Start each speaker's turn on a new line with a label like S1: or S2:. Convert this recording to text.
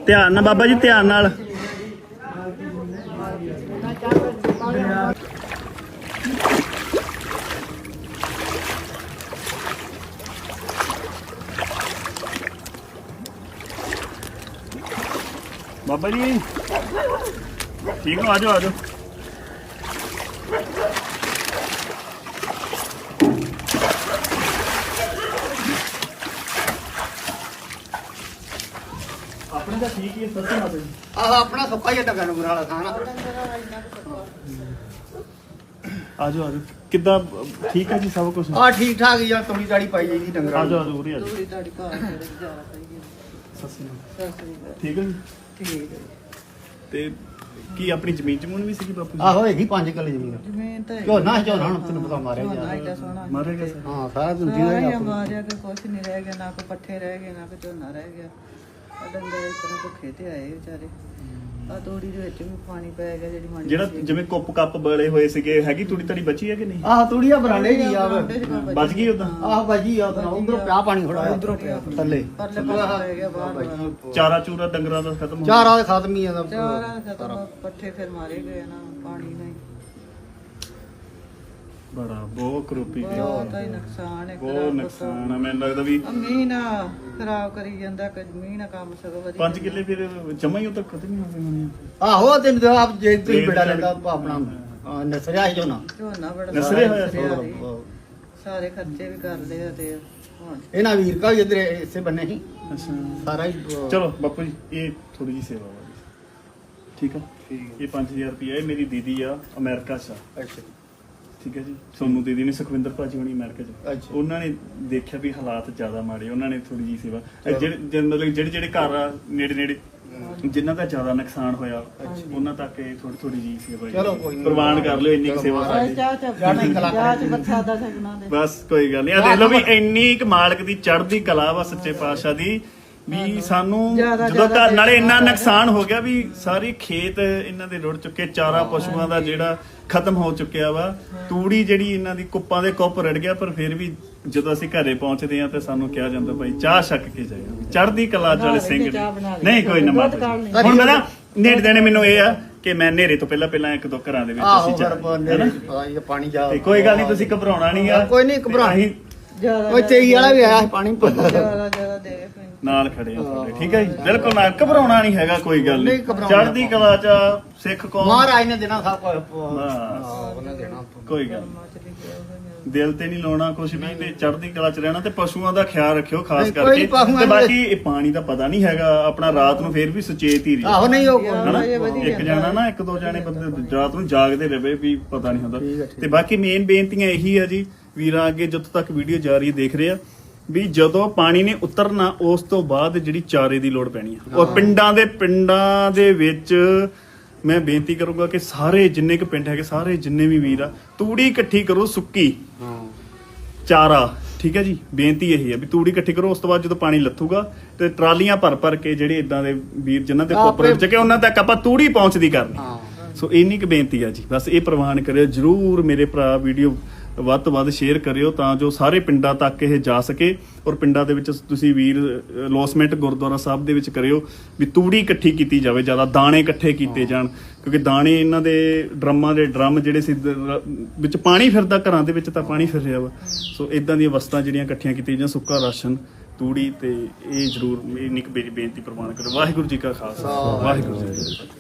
S1: ਧਿਆਨ ਨਾਲ ਬਾਬਾ ਜੀ, ਧਿਆਨ ਨਾਲ। ਬਾਬਾ ਜੀ ਠੀਕ ਹੋ? ਆਜੋ ਆਜੋ। ਆਪਣੇ ਤਾਂ ਠੀਕ ਹੀ ਹੈ, ਸੱਚੀ ਮਾਤਾ ਜੀ।
S2: ਆਹ ਆਪਣਾ ਸੁੱਕਾ ਹੀ ਡੰਗਰ ਨੂੰ ਵਾਲਾ ਖਾਣਾ।
S1: ਆਜੋ ਆਜੋ। ਕਿੱਦਾਂ ਠੀਕ ਹੈ ਜੀ ਸਭ ਕੁਝ?
S2: ਆ ਠੀਕ ਠਾਕ ਹੀ ਆ, ਤੂੜੀ ਤਾੜੀ ਪਾਈ ਜਾਈਦੀ ਡੰਗਰਾਂ
S1: ਆਜੋ ਆਜੋ ਉਰੇ ਆਜੋ।
S3: ਥੋੜੀ ਤੁਹਾਡੀ ਘਰ ਦੇ ਗੁਜ਼ਾਰਾ ਕਰੀਏ।
S1: ਸੱਚੀ
S3: ਸਤਿ ਸ੍ਰੀ ਅਕਾਲ।
S1: ਠੀਕ ਹੈ ਜੀ।
S3: ਠੀਕ ਹੈ।
S1: ਤੇ ਕੀ ਆਪਣੀ ਜ਼ਮੀਨ ਜਮੂਨ ਵੀ ਸੀਗੀ ਬਾਪੂ ਜੀ?
S2: ਆਹੋ ਹੈਗੀ 5 ਕਿੱਲੇ ਜ਼ਮੀਨ।
S3: ਜ਼ਮੀਨ ਤਾਂ
S2: ਝੋਨਾ ਹੁਣ ਤੈਨੂੰ ਪਤਾ ਮਾਰਿਆ
S3: ਝੋਨਾ
S2: ਗਿਆ।
S3: ਏਡਾ ਸੋਹਣਾ
S1: ਮਾਰੇ ਗਏ ਸਰ?
S2: ਹਾਂ ਸਾਰਾ ਦੂਜੀ
S3: ਸਾਰਾ ਹੀ
S2: ਦਾ
S3: ਮਾਰਿਆ ਕਿ ਕੁਛ ਨਹੀਂ ਰਹਿ ਗਿਆ, ਨਾ ਕੋਈ ਪੱਠੇ ਰਹਿ ਗਏ, ਨਾ ਕੋਈ ਝੋਨਾ ਰਹਿ ਗਿਆ। ਆ ਡੰਗਰ ਇਸ ਤਰ੍ਹਾਂ ਭੁੱਖੇ ਤੇ ਆਏ ਵਿਚਾਰੇ। ਆ ਤੋੜੀ ਦੇ ਵਿੱਚ ਵੀ ਪਾਣੀ ਪੈ ਗਿਆ ਜਿਹੜੀ ਮਾੜੀ
S1: ਜਿਹੜਾ ਜਿਵੇਂ ਕੁੱਪ ਕੱਪ ਬਲੇ ਹੋਏ ਸੀਗੇ, ਹੈਗੀ ਤੂੜੀ ਤੜੀ ਬਚੀ ਹੈ ਕਿ ਨਹੀਂ?
S2: ਆਹ ਤੂੜੀਆਂ ਬਰਾਂਡੇ ਜੀ ਆ
S1: ਬਚ ਗਈ ਉਦਾਂ?
S2: ਆਹ ਬਾਜੀ ਆ ਉਧਰੋਂ ਪਿਆ ਪਾਣੀ ਥੋੜਾ
S3: ਉਧਰੋਂ ਪਿਆ
S2: ਥੱਲੇ
S3: ਪਰਲੇ ਪਾਸੇ ਪੈ ਗਿਆ ਬਾਹਰ।
S1: ਚਾਰਾ ਚੂਰਾ ਡੰਗਰਾਂ ਦਾ ਖਤਮ ਹੋ
S2: ਚਾਰਾਂ ਦੇ ਖਤਮ ਹੀ ਆ ਦਾ
S3: ਚਾਰਾਂ ਖਤਮ, ਪੱਠੇ ਫਿਰ ਮਾਰੇ ਗਏ ਨਾ ਪਾਣੀ ਨਾਲ।
S1: ਬੜਾ ਬਹੁਤ ਕਰੋਪੀ ਗਿਆ।
S3: ਬਹੁਤ ਹੀ ਨੁਕਸਾਨ ਹੈ।
S1: ਬਹੁਤ ਨੁਕਸਾਨ ਆ। ਮੈਨੂੰ ਲੱਗਦਾ ਵੀ
S3: ਮੀਂਹ ਨਾ ਖਰਾਬ ਕਰੀ ਜਾਂਦਾ ਕਿ ਮੀਂਹ ਨਾ ਕੰਮ ਸਗੋਂ ਵਧੀਆ।
S1: 5 ਕਿੱਲੇ ਫਿਰ ਜਮਾ ਹੀ ਉਹ ਤੱਕ ਖਤਮ ਹੀ ਹੋ ਗਏ ਹੋਣੇ ਆ।
S2: ਆਹੋ ਤੈਨੂੰ ਆਪ ਜੇ ਤੁਸੀਂ ਬੜਾ ਲੈਂਦਾ ਆਪਣਾ ਨਸਰਿਆ ਹੀ ਝੋਨਾ
S3: ਝੋਨਾ ਬੜਾ
S1: ਨਸਰੇ ਹੋਇਆ
S3: ਨਸਰਿਆ ਸੀ। ਸਾਰੇ ਖਰਚੇ ਵੀ ਕਰ ਲਏ ਆ ਤੇ ਹੁਣ
S2: ਇਹਨਾਂ ਵੀਰ ਕਾ ਇਧਰ ਇਸੇ ਬੰਨੇ ਹੀ
S1: ਅੱਛਾ
S2: ਸਾਰਾ ਹੀ
S1: ਚਲੋ ਬਾਪੂ ਜੀ, ਇਹ ਥੋੜੀ ਜਿਹੀ ਸੇਵਾ ਵਾ। ਠੀਕ ਆ, ਇਹ 5000 ਰੁਪਏ ਇਹ ਮੇਰੀ ਦੀਦੀ ਆ ਅਮਰੀਕਾ 'ਚ ਆ।
S2: ਅੱਛਾ
S1: ਠੀਕ ਹੈ ਜੀ। ਸੋਨੂ ਦੀਦੀ ਨੇ, ਸੁਖਵਿੰਦਰ ਭਾਜੀ ਹੋਣੀ ਅਮਰੀਕਾ 'ਚ।
S2: ਅੱਛਾ।
S1: ਉਹਨਾਂ ਨੇ ਦੇਖਿਆ ਵੀ ਹਾਲਾਤ ਜ਼ਿਆਦਾ ਮਾੜੇ, ਉਹਨਾਂ ਨੇ ਥੋੜੀ ਜਿਹੀ ਸੇਵਾ ਮਤਲਬ ਜਿਹੜੇ ਘਰ ਆ ਨੇੜੇ ਨੇੜੇ ਜਿਨ੍ਹਾਂ ਦਾ ਜ਼ਿਆਦਾ ਨੁਕਸਾਨ ਹੋਇਆ ਉਹਨਾਂ ਤੱਕ ਇਹ ਥੋੜੀ ਜਿਹੀ ਸੇਵਾ
S2: ਚਲੋ ਕੋਈ ਨੀ।
S1: ਪ੍ਰਵਾਨ ਕਰ ਲਿਓ, ਇੰਨੀ ਕੁ ਸੇਵਾ ਸਾਡੀ।
S3: ਚਾਹ ਚ ਬੱਚਾ ਦਾ ਸਕਣਾ ਦੇ
S1: ਬਸ ਕੋਈ ਗੱਲ ਨਹੀਂ। ਆ ਦੇਖ ਲਓ ਵੀ ਇੰਨੀ ਕੁ ਮਾਲਕ ਦੀ ਚੜ੍ਹਦੀ ਕਲਾ ਵਾ ਸੱਚੇ ਪਾਤਸ਼ਾਹ ਦੀ, ਵੀ ਸਾਨੂੰ ਜਦੋਂ ਘਰ ਨਾਲੇ ਇੰਨਾ ਨੁਕਸਾਨ ਹੋ ਗਿਆ ਵੀ ਸਾਰੇ ਖੇਤ ਇਹਨਾਂ ਦੇ ਰੁੜ ਚੁੱਕੇ, ਚਾਰਾ ਪਸ਼ੂਆਂ ਦਾ ਜਿਹੜਾ ਖਤਮ ਹੋ ਚੁੱਕਿਆ ਵਾ, ਤੂੜੀ ਜਿਹੜੀ ਇਹਨਾਂ ਦੀ ਕੁੱਪਾਂ ਦੇ ਕੁੱਪ ਰੜ ਗਿਆ। ਪਰ ਫਿਰ ਵੀ ਜਦੋਂ ਅਸੀਂ ਘਰੇ ਪਹੁੰਚਦੇ ਆ ਤੇ ਸਾਨੂੰ ਕਿਹਾ ਜਾਂਦਾ ਭਾਈ ਚਾਹ ਛੱਕ ਕੇ ਜਾਇਓ, ਚੜ੍ਹਦੀ ਕਲਾ ਵਾਲੇ ਸਿੰਘ ਨਹੀਂ ਕੋਈ ਨਾ ਮਾਤਾ ਜੀ। ਹੁਣ ਮੈਂ ਨਾ ਨੇੜੇ ਦੇਣੇ ਮੈਨੂੰ ਇਹ ਆ ਕਿ ਮੈਂ ਨੇਰੇ ਤੋਂ ਪਹਿਲਾਂ ਇੱਕ ਦੋ ਘਰਾਂ ਦੇ ਵਿੱਚ ਅਸੀਂ
S2: ਆਹੋ ਪਾਣੀ ਜਾ
S1: ਤੇ ਕੋਈ ਗੱਲ ਨਹੀਂ, ਤੁਸੀਂ ਘਬਰਾਉਣਾ ਨਹੀਂ ਆ।
S2: ਕੋਈ ਨਹੀਂ ਘਬਰਾਉਣੀ। ਕੋਈ ਤੇਈ ਵਾਲਾ ਵੀ ਆਇਆ ਪਾਣੀ
S3: ਜਿਆਦਾ ਦੇ
S1: ਨਾਲ ਖੜੇ ਆ ਤੁਹਾਡੇ। ਠੀਕ ਹੈ ਜੀ, ਬਿਲਕੁਲ ਨਾ ਘਬਰਾਉਣਾ ਨਹੀਂ ਹੈਗਾ, ਕੋਈ ਗੱਲ ਨਹੀਂ। ਚੜ੍ਹਦੀ ਕਲਾ ਚ ਸਿੱਖ ਕੌਮ
S2: ਮਹਾਰਾਜ ਨੇ ਦੇਣਾ ਸਭ ਕੁਝ।
S1: ਉਹਨੇ ਦੇਣਾ, ਕੋਈ ਗੱਲ ਦਿਲ ਤੇ ਨਹੀਂ ਲਾਉਣਾ ਕੁਝ ਵੀ, ਤੇ ਚੜ੍ਹਦੀ ਕਲਾ ਚ ਰਹਿਣਾ ਤੇ ਪਸ਼ੂਆਂ ਦਾ ਖਿਆਲ ਰੱਖਿਓ ਖਾਸ ਕਰਕੇ। ਤੇ ਬਾਕੀ ਇਹ ਪਾਣੀ ਦਾ ਪਤਾ ਨਹੀਂ ਹੈਗਾ ਆਪਣਾ, ਰਾਤ ਨੂੰ ਫੇਰ ਵੀ ਸੁਚੇਤ ਹੀ ਰਹੀ।
S2: ਆਹੋ ਨਹੀਂ ਉਹ
S1: ਇੱਕ ਜਾਣਾ ਨਾ, ਇੱਕ ਦੋ ਜਾਣੇ ਬੰਦੇ ਰਾਤ ਨੂੰ ਜਾਗਦੇ ਰਹੇ ਵੀ ਪਤਾ ਨਹੀਂ ਹੁੰਦਾ। ਤੇ ਬਾਕੀ ਮੇਨ ਬੇਨਤੀਆਂ ਇਹੀ ਆ ਜੀ ਵੀਰਾਂ ਅੱਗੇ, ਜਦੋਂ ਤੱਕ ਵੀਡੀਓ ਜਾ ਰਹੀ ਦੇਖ ਰਹੇ ਆ, ਵੀ ਜਦੋਂ ਪਾਣੀ ਨੇ ਉਤਰਨਾ ਉਸ ਤੋਂ ਬਾਅਦ ਜਿਹੜੀ ਚਾਰੇ ਦੀ ਲੋੜ ਪੈਣੀ ਆ। ਔਰ ਪਿੰਡਾਂ ਦੇ ਵਿੱਚ ਮੈਂ ਬੇਨਤੀ ਕਰੂੰਗਾ ਕਿ ਸਾਰੇ ਜਿੰਨੇ ਕੁ ਪਿੰਡ ਹੈਗੇ, ਸਾਰੇ ਜਿੰਨੇ ਵੀ ਵੀਰ ਆ, ਤੂੜੀ ਇਕੱਠੀ ਕਰੋ, ਸੁੱਕੀ ਚਾਰਾ। ਠੀਕ ਹੈ ਜੀ, ਬੇਨਤੀ ਇਹੀ ਹੈ ਵੀ ਤੂੜੀ ਇਕੱਠੀ ਕਰੋ। ਉਸ ਤੋਂ ਬਾਅਦ ਜਦੋਂ ਪਾਣੀ ਲੱਥੂਗਾ ਤੇ ਟਰਾਲੀਆਂ ਭਰ ਕੇ ਜਿਹੜੇ ਇਦਾਂ ਦੇ ਵੀਰ ਜਿਨ੍ਹਾਂ ਦੇ ਕੋਪਰੇਟ ਚ ਕਿ ਉਹਨਾਂ ਤੱਕ ਆਪਾਂ ਤੂੜੀ ਪਹੁੰਚਦੀ ਕਰਨੀ। ਸੋ ਇੰਨੀ ਕੁ ਬੇਨਤੀ ਆ ਜੀ, ਬਸ ਇਹ ਪ੍ਰਵਾਨ ਕਰਿਓ ਜਰੂਰ ਮੇਰੇ ਭਰਾ। ਵੀਡੀਓ ਵੱਧ ਤੋਂ ਵੱਧ ਸ਼ੇਅਰ ਕਰਿਓ ਤਾਂ ਜੋ ਸਾਰੇ ਪਿੰਡਾਂ ਤੱਕ ਇਹ ਜਾ ਸਕੇ। ਔਰ ਪਿੰਡਾਂ ਦੇ ਵਿੱਚ ਤੁਸੀਂ ਵੀਰ ਲੋਸਮੈਂਟ ਗੁਰਦੁਆਰਾ ਸਾਹਿਬ ਦੇ ਵਿੱਚ ਕਰਿਓ ਵੀ ਤੂੜੀ ਇਕੱਠੀ ਕੀਤੀ ਜਾਵੇ, ਜ਼ਿਆਦਾ ਦਾਣੇ ਇਕੱਠੇ ਕੀਤੇ ਜਾਣ, ਕਿਉਂਕਿ ਦਾਣੇ ਇਹਨਾਂ ਦੇ ਡਰਮ ਜਿਹੜੇ ਸੀ ਵਿੱਚ ਪਾਣੀ ਫਿਰਦਾ, ਘਰਾਂ ਦੇ ਵਿੱਚ ਤਾਂ ਪਾਣੀ ਫਿਰ ਰਿਹਾ ਵਾ। ਸੋ ਇਦਾਂ ਦੀਆਂ ਵਸਤਾਂ ਜਿਹੜੀਆਂ ਇਕੱਠੀਆਂ ਕੀਤੀਆਂ ਜਾਂ ਸੁੱਕਾ ਰਾਸ਼ਨ, ਤੂੜੀ, ਤੇ ਇਹ ਜ਼ਰੂਰ ਇੰਨੀ ਕੁ ਬੇਨਤੀ ਪ੍ਰਵਾਨ ਕਰੋ। ਵਾਹਿਗੁਰੂ ਜੀ ਕਾ ਖਾਲਸਾ, ਵਾਹਿਗੁਰੂ ਜੀ ਕੀ ਫਤਿਹ।